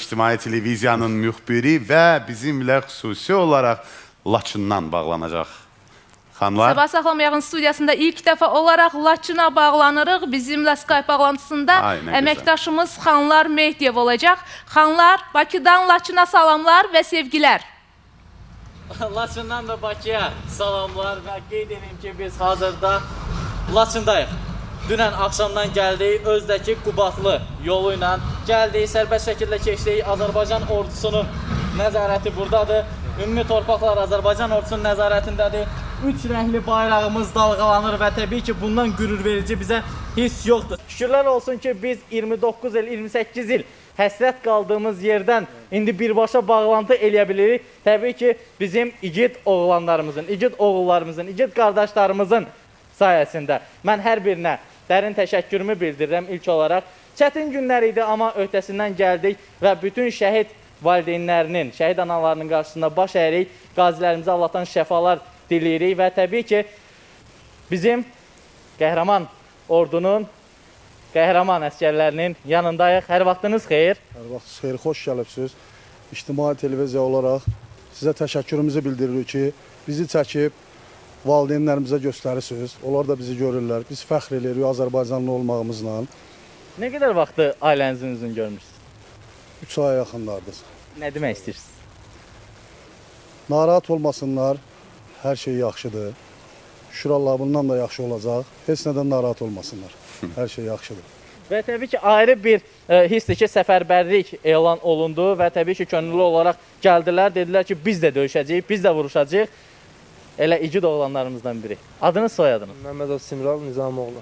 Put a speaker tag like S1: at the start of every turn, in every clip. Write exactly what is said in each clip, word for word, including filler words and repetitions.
S1: İctimai Televiziyanın müxbiri və bizimlə xüsusi olaraq Laçından bağlanacaq. Xanlar.
S2: Sabah Saxlamayağın studiyasında ilk dəfə olaraq Laçına bağlanırıq. Bizimlə Skype bağlantısında
S1: Ay,
S2: əməkdaşımız Xanlar Mehdiyev olacaq. Xanlar, Bakıdan Laçına salamlar və sevgilər.
S3: Laçından da Bakıya salamlar və qeyd edeyim ki, biz hazırda Laçındayıq. Dünən axşamdan gəldik, Özdəki Qubadlı yolu ilə gəldik, sərbəst şəkildə keçdik. Azərbaycan ordusunun nəzarəti buradadır. Ümumi torpaqlar Azərbaycan ordusunun nəzarətindədir. Üç rəngli bayrağımız dalğalanır və təbii ki, bundan qürur verici bizə hiss yoxdur. Şükürlər olsun ki, biz iyirmi doqquz il, iyirmi səkkiz il həsrət qaldığımız yerdən indi birbaşa bağlantı eləyə bilirik. Təbii ki, bizim igid oğlanlarımızın, igid oğullarımızın, igid qardaşlarımızın sayəsində. Mən hər birinə dərin təşəkkürümü bildirirəm ilk olaraq. Çətin günlər idi, amma öhdəsindən gəldik və bütün şəhid valideynlərinin, şəhid analarının qarşısında baş əyirik. Qazilərimizə Allahdan şəfalar diləyirik və təbii ki, bizim qəhrəman ordunun, qəhrəman əskərlərinin yanındayıq. Hər vaxtınız xeyir.
S4: Hər vaxtınız xeyir, xoş gəlibsiniz. İctimai Televiziya olaraq sizə təşəkkürümüzü bildiririk ki, bizi çəkib valideynlərimizə göstərirsiniz. Onlar da bizi görürlər. Biz fəxr edirik Azərbaycanlı olmağımızla.
S3: Nə qədər vaxtı ailənizin üzünü görmüşsünüz?
S4: üç aya yaxınlardır.
S3: Nə demək istəyirsiniz?
S4: Narahat olmasınlar, hər şey yaxşıdır. Şükür Allah bundan da yaxşı olacaq. Heç nədən narahat olmasınlar. Hər şey yaxşıdır.
S3: Və təbii ki, ayrı bir e, hissdir ki, səfərbərlik elan olundu və təbii ki, könüllü olaraq gəldilər. Dedilər ki, biz də döyüşəcəyik, biz də vuruşacağıq. Elə igid oğlanlarımızdan biri. Adınız, soyadınız?
S5: Məmmədov Simral Nizamoğlu.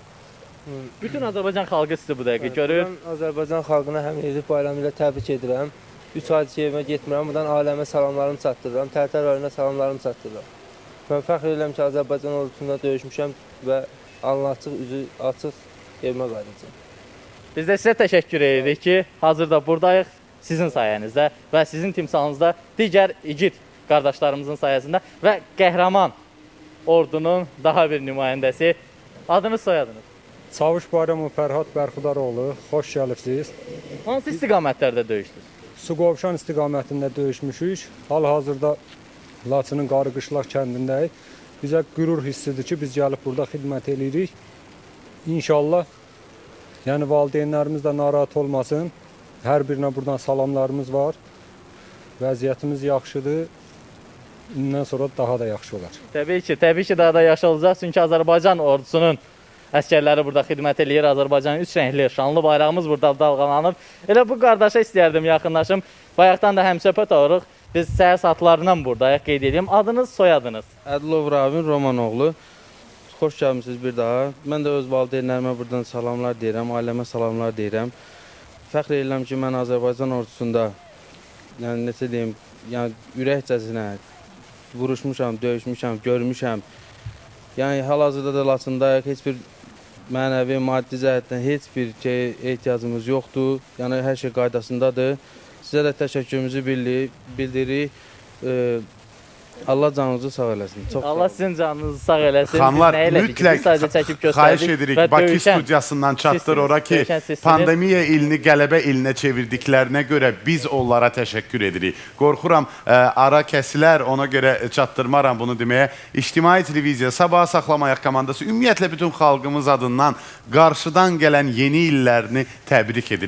S3: Bütün Azərbaycan xalqı sizi bu dəqiqə görür.
S5: Mən Azərbaycan xalqına həm Eylül bayramı ilə təbrik edirəm. üç aydır ki, evimə getmirəm. Buradan ailəmə salamlarımı çatdırıram. Tərtər rayonuna salamlarımı çatdırıram. Mən fəxr edirəm ki, Azərbaycan ordusunda döyüşmüşəm və alnı açıq, üzü açıq evimə qayıdacağam.
S3: Biz də sizə təşəkkür edirik ki, hazırda buradayıq sizin sayənizdə və sizin timsalınızda digər igid qardaşlarımızın sayəsində və qəhrəman ordunun daha bir nümayəndəsi. Adınız, soyadınız?
S6: Çavuş Bayramov Fərhad Bərxudaroğlu, xoş gəlibsiniz.
S3: Hansı istiqamətlərdə döyüşdünüz?
S6: Suqovuşan istiqamətində döyüşmüşük. Hal-hazırda Laçının Qarıqışlaq kəndindəyik. Bizə qürur hissidir ki, biz gəlib burada xidmət edirik. İnşallah, yəni valideynlərimiz də narahat olmasın. Hər birinə buradan salamlarımız var. Vəziyyətimiz yaxşıdır. Bundan sonra daha da yaxşı olar.
S3: Təbii ki, təbii ki, daha da yaxşı olacaq. Çünki Azərbaycan ordusunun əskərləri burada xidmət edir. Azərbaycanın üç rəngli, şanlı bayrağımız burada dalğalanıb. Elə bu qardaşa istəyərdim yaxınlaşım. Bayaqdan da həmsöhbət oluruq. Biz səhər saatlarından buradayıq, qeyd edeyim. Adınız, soyadınız?
S5: Ədilov Ravin Romanoğlu. Xoş gəlmişsiniz bir daha. Mən də öz valideynlərimə buradan salamlar deyirəm, ailəmə salamlar deyirəm. Fəxr edirəm ki, mən Azərbaycan ordusunda, yəni necə deyim, yəni ürəkcəsinə vuruşmuşam, döyüşmüşəm, görmüşəm. Yəni hal-hazırda da Laçındayıq, heç bir mənəvi, maddi cəhətdən heç bir şey ehtiyacımız yoxdur. Yəni hər şey qaydasındadır. Sizə də təşəkkürümüzü bildiririk. Ee, Allah canınızı sağ eləsin. Çox
S3: Allah sizin canınızı sağ eləsin.
S1: Xanlar, mütləq xahiş edirik, Bakı studiyasından çatdır ora ki, pandemiya ilini qələbə ilinə çevirdiklərinə görə biz onlara təşəkkür edirik. Qorxuram, ə, ara kəsilər, ona görə çatdırmaram bunu deməyə. İctimai Televiziya, Sabah Saxlamayaq komandası, ümumiyyətlə bütün xalqımız adından qarşıdan gələn yeni illərini təbrik edirik.